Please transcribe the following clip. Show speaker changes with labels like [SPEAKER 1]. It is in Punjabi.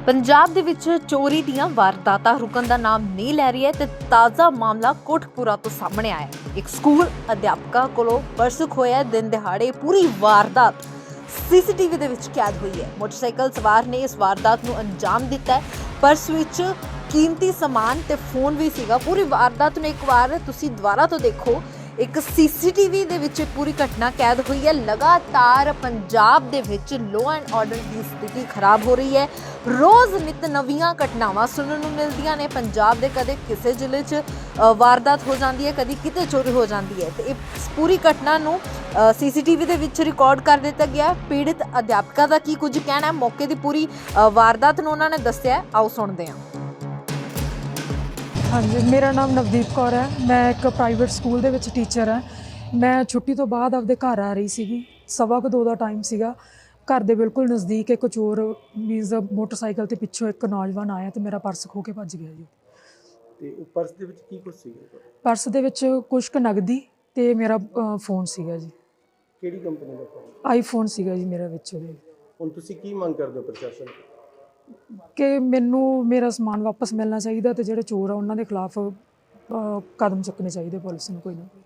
[SPEAKER 1] ਪੰਜਾਬ ਦੇ ਵਿੱਚ ਚੋਰੀ ਦੀਆਂ ਵਾਰਦਾਤਾਂ ਰੁਕਣ ਦਾ ਨਾਮ ਨਹੀਂ ਲੈ ਰਹੀ ਹੈ ਤੇ ਤਾਜ਼ਾ ਮਾਮਲਾ ਕੋਟਕਪੂਰਾ ਤੋਂ ਸਾਹਮਣੇ ਆਇਆ ਹੈ। ਇੱਕ ਸਕੂਲ ਅਧਿਆਪਕਾ ਕੋਲੋਂ ਪਰਸ ਖੋਇਆ ਦਿਨ ਦਿਹਾੜੇ ਪੂਰੀ ਵਾਰਦਾਤ ਸੀਸੀਟੀਵੀ ਦੇ ਵਿੱਚ ਕੈਦ ਹੋਈ ਹੈ। ਮੋਟਰਸਾਈਕਲ ਸਵਾਰ ਨੇ ਇਸ ਵਾਰਦਾਤ ਨੂੰ ਅੰਜਾਮ ਦਿੱਤਾ ਹੈ। ਪਰਸ ਵਿੱਚ ਕੀਮਤੀ ਸਮਾਨ ਤੇ ਫੋਨ ਵੀ ਸੀਗਾ। ਪੂਰੀ ਵਾਰਦਾਤ ਨੂੰ ਇੱਕ ਵਾਰ ਤੁਸੀਂ ਦੁਬਾਰਾ ਤੋਂ ਦੇਖੋ। ਇੱਕ ਸੀਸੀਟੀਵੀ ਦੇ ਵਿੱਚ ਪੂਰੀ ਘਟਨਾ ਕੈਦ ਹੋਈ ਹੈ। ਲਗਾਤਾਰ ਪੰਜਾਬ ਦੇ ਵਿੱਚ ਲਾਅ ਐਂਡ ਆਰਡਰ ਦੀ ਸਥਿਤੀ ਖਰਾਬ ਹੋ ਰਹੀ ਹੈ। ਰੋਜ਼ ਨਿਤ ਨਵੀਆਂ ਘਟਨਾਵਾਂ ਸੁਣਨ ਨੂੰ ਮਿਲਦੀਆਂ ਨੇ। ਪੰਜਾਬ ਦੇ ਕਦੇ ਕਿਸੇ ਜ਼ਿਲ੍ਹੇ 'ਚ ਵਾਰਦਾਤ ਹੋ ਜਾਂਦੀ ਹੈ, ਕਦੀ ਕਿਤੇ ਚੋਰੀ ਹੋ ਜਾਂਦੀ ਹੈ ਤੇ ਇਸ ਪੂਰੀ ਘਟਨਾ ਨੂੰ ਸੀਸੀਟੀਵੀ ਦੇ ਵਿੱਚ ਰਿਕਾਰਡ ਕਰ ਦਿੱਤਾ ਗਿਆ। ਪੀੜਿਤ ਅਧਿਆਪਕਾ ਦਾ ਕੀ ਕੁਝ ਕਹਿਣਾ ਹੈ, ਮੌਕੇ ਦੀ ਪੂਰੀ ਵਾਰਦਾਤ ਨੂੰ ਉਹਨਾਂ ਨੇ ਦੱਸਿਆ। ਆਓ ਸੁਣਦੇ ਹਾਂ।
[SPEAKER 2] ਹਾਂਜੀ, ਮੇਰਾ ਨਾਮ ਨਵਦੀਪ ਕੌਰ ਹੈ। ਮੈਂ ਇੱਕ ਪ੍ਰਾਈਵੇਟ ਸਕੂਲ ਦੇ ਵਿੱਚ ਟੀਚਰ ਹਾਂ। ਮੈਂ ਛੁੱਟੀ ਤੋਂ ਬਾਅਦ ਆਪਦੇ ਘਰ ਆ ਰਹੀ ਸੀਗੀ। 1:15 ਦਾ ਟਾਈਮ ਸੀਗਾ। ਘਰ ਦੇ ਬਿਲਕੁਲ ਨਜ਼ਦੀਕ ਇੱਕ ਚੋਰ ਮੀਨਜ਼ ਮੋਟਰਸਾਈਕਲ ਤੇ ਪਿੱਛੋਂ ਇੱਕ ਨੌਜਵਾਨ ਆਇਆ ਤੇ ਮੇਰਾ ਪਰਸ ਖੋਹ ਕੇ ਭੱਜ ਗਿਆ ਜੀ।
[SPEAKER 3] ਤੇ ਉਹ ਪਰਸ ਦੇ ਵਿੱਚ ਕੀ ਕੁਝ ਸੀਗਾ?
[SPEAKER 2] ਪਰਸ ਦੇ ਵਿੱਚ ਕੁਛ ਕੁ ਨਗਦੀ ਤੇ ਮੇਰਾ ਫੋਨ ਸੀਗਾ ਜੀ।
[SPEAKER 3] ਕਿਹੜੀ ਕੰਪਨੀ ਦਾ ਫੋਨ?
[SPEAKER 2] ਆਈਫੋਨ ਸੀਗਾ ਜੀ ਮੇਰਾ ਵਿੱਚ ਉਹਦੇ।
[SPEAKER 3] ਹੁਣ ਤੁਸੀਂ ਕੀ ਮੰਗ ਕਰਦੇ ਹੋ ਪ੍ਰਸ਼ਾਸਨ ਤੋਂ?
[SPEAKER 2] ਕਿ ਮੈਨੂੰ ਮੇਰਾ ਸਮਾਨ ਵਾਪਸ ਮਿਲਣਾ ਚਾਹੀਦਾ ਤੇ ਜਿਹੜੇ ਚੋਰ ਆ ਉਹਨਾਂ ਦੇ ਖਿਲਾਫ ਕਦਮ ਚੁੱਕਣੇ ਚਾਹੀਦੇ ਪੁਲਿਸ ਨੂੰ ਕੋਈ ਨਾ।